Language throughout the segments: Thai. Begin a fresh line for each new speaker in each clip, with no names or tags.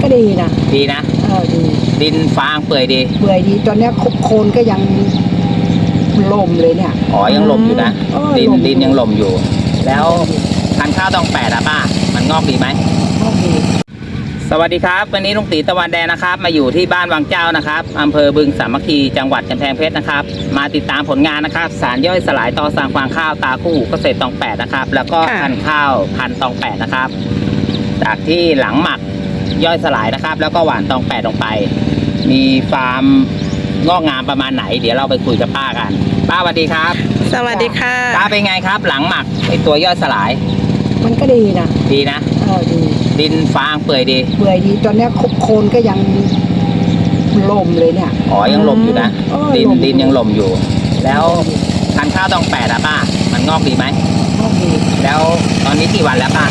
ก็ดีนะ
ดีนะ
ดี
ดินฟางเปื่อยดี
ตอนนี้โคนก็ยังล่มเลยเนี่ย
อ๋อยังล่มอยู่นะดินยังล่มอยู่แล้วพันธุ์ข้าวตองแปดอะป้ามันงอกดีไหม
งอกดี
สวัสดีครับวันนี้ลุงตีตะวันแดงนะครับมาอยู่ที่บ้านวังเจ้านะครับอำเภอบึงสามัคคีจังหวัดกำแพงเพชรนะครับมาติดตามผลงานนะครับสารย่อยสลายต่อสั่งฟางข้าวตาคู่เกษตรตองแปดนะครับแล้วก็พันธุ์ข้าวพันธุ์ตองแปดนะครับจากที่หลังหมักย่อยสลายนะครับแล้วก็หว่านตองแปดลงไปมีฟาร์มงอกงามประมาณไหนเดี๋ยวเราไปคุยกับป้ากันป้าสวัสดีครับ
สวัสดีค่ะ
ป้าเป็นไงครับหลังหมักไอตัวย่อยสลาย
มันก็ดีนะ
ดีนะ
ดี
ดินฟางเปื่อยดี
ตอนนี้โคนก็ยังล่มเลยเนี่ย
อ๋อยังล่มอยู่นะดินยังล่มอยู่แล้วพันธุ์ข้าวตองแปดอะป้ามันงอกดีไหม
งอกดี
แล้วตอนนี้กี่วันแล้วป้า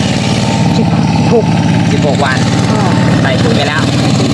16 วันใส่ปุ๋ยไปแล้ว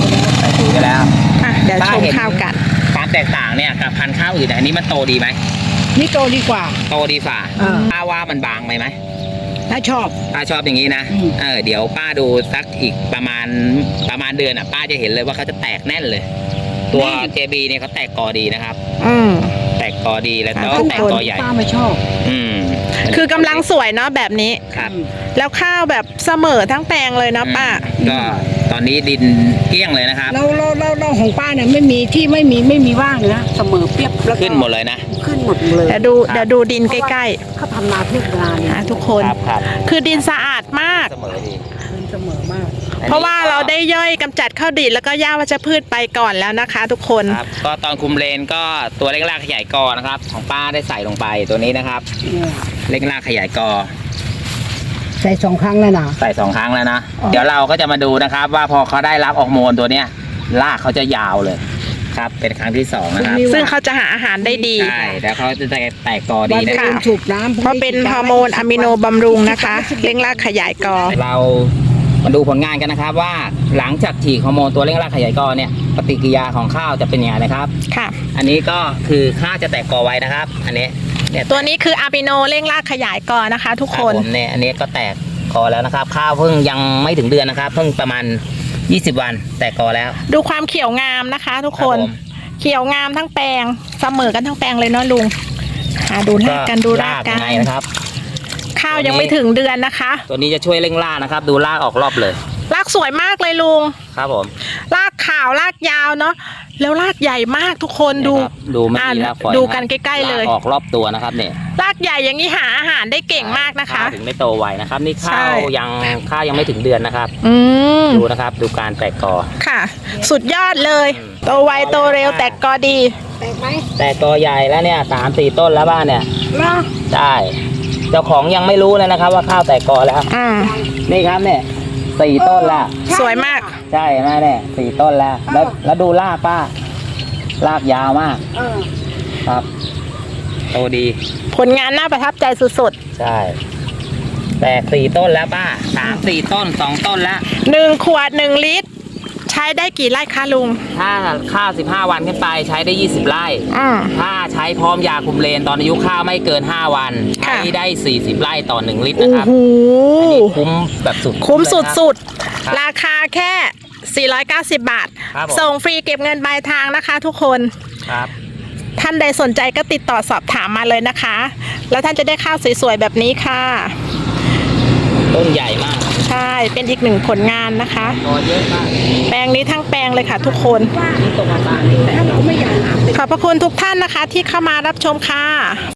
เดี๋ยวชมข้าวกัน
ความแตกต่างเนี่ยกับพันธุ์ข้าวอื่นอันนี้มันโตดีไหม
นี่โตดีกว่า
ป้าว่ามันบางไหม
ถ้าชอบ
อย่างนี้นะเดี๋ยวป้าดูสักอีกประมาณเดือนอ่ะป้าจะเห็นเลยว่าเขาจะแตกแน่นเลยตัว JB เนี่ยเขาแตกกอดีนะครับแตกกอดีแล้วก็แตกกอใหญ่
ป้าไม่ชอบ
คือกำลังสวยเนาะแบบนี้
ครับ
แล้วข้าวแบบเสมอทั้งแปลงเลยนะป้า
ก็ตอนนี้ดินเกลี้ยงเลยนะครับ
เราของป้าเนี่ยไม่มีว่างนะเสมอเปียบแล้ว
ขึ้นหมดเลยนะ
ขึ้นหมดเลย
เดี๋ยวดูดินใกล้
ๆเขาทำนาเพื่อเวลาเนี่ย
ทุกคนคือดินสะอาดมาก
เสมอดี
มาก
เพราะว่าเราได้ย่อยกำจัดข้าวดิบแล้วก็หญ้าวัชพืชไปก่อนแล้วนะคะทุกคน
ก็ตอนคุมเลนก็ตัวเร่งรากขยายกอนะครับของป้าได้ใส่ลงไปตัวนี้นะครับเร่งรากขยายกอ
ใส่2 ครั้งแล้วนะ
ใส่2 ครั้งแล้วนะเดี๋ยวเราก็จะมาดูนะครับว่าพอเขาได้รับออกโมนตัวเนี้ยรากเขาจะยาวเลยครับเป็นครั้งที่2นะครับ
ซึ่งเขาจะหาอาหารได้ดี
ใช่แล้วเขาจะแตกกอดีนะครับ
เพราะเป็นฮอร์โมนอะมิโนบำรุงนะคะเร่งรากขยายกอ
เรามาดูผลงานกันนะครับว่าหลังจากฉีดฮอร์โมนตัวเร่งรากขยายกอเนี่ยปฏิกิริยาของข้าวจะเป็นยังไงนะครับ
ค่ะ
อันนี้ก็คือข้าวจะแตกกอไว้นะครับอันนี้
ตัวนี้คืออะมิโนเร่งรากขยายกอนะคะทุกคน
เนี่ยอันนี้ก็แตกกอแล้วนะครับข้าวเพิ่งยังไม่ถึงเดือนนะครับเพิ่งประมาณ20 วันแตกกอแล้ว
ดูความเขียวงามนะคะทุกคนเขียวงามทั้งแปลงเสมอกันทั้งแปลงเลยเนาะลุงดูรากกัน
นะครับ
ข้าวยังไม่ถึงเดือนนะคะ
ตัวนี้จะช่วยเร่งรากนะครับดูรากออกรอบเลย
รากสวยมากเลยลุง
ครับผม
รากขาวรากยาวเนาะแล้วรากใหญ่มากทุกคน
ดูไม่มีรากฝอย
ดูกันใกล้ๆเลย
ออกรอบตัวนะครับเนี่ย
รากใหญ่อย่างนี้หาอาหารได้เก่งมากนะคะ
ถึงไม่โตไวนะครับนี่ข้าวยังไม่ถึงเดือนนะครับดูนะครับดูการแตกกอ
ค่ะสุดยอดเลยโตไวโตเร็วแตกกอดี
แตกไหม
แตกกอใหญ่แล้วเนี่ย3-4 ต้นแล้วบ้านเนี่ยใช่เจ้าของยังไม่รู้เลยนะครับว่าข้าวแตกกอแล้วนี่ครับเนี่ย4 ต้นแล้ว
สวยมาก
ใช่ไหมเนี่ย4 ต้นแล้วดูรากป้ารากยาวมากครับโตดี
ผลงานน่าประทับใจสุด
ๆใช่แตก4 ต้นแล้วป้า3-4 ต้น2 ต้นแล้ว
1 ขวด 1 ลิตรใช้ได้กี่ไร่คะลุง
ถ้าข้าว15 วันขึ้นไปใช้ได้20 ไร่ถ้าใช้พร้อมยาคุมเลนตอนอายุข้าวไม่เกิน5 วันใช้ได้40 ไร่ต่อ1 ลิตรนะครับอันนี้คุ้มแบบ
คุ้มสุดๆราคาแค่490 บาทส่งฟรีเก็บเงินปลายทางนะคะทุกคน
ครับ
ท่านใดสนใจก็ติดต่อสอบถามมาเลยนะคะแล้วท่านจะได้ข้าวสวยๆแบบนี้ค่ะ
ต้นใหญ่มาก
ใช่เป็นอีก1 ผลงานนะคะ
เยอะมาก
แปลงนี้ทั้งแปลงเลยค่ะทุกคนขอบพระคุณทุกท่านนะคะที่เข้ามารับชมค่ะ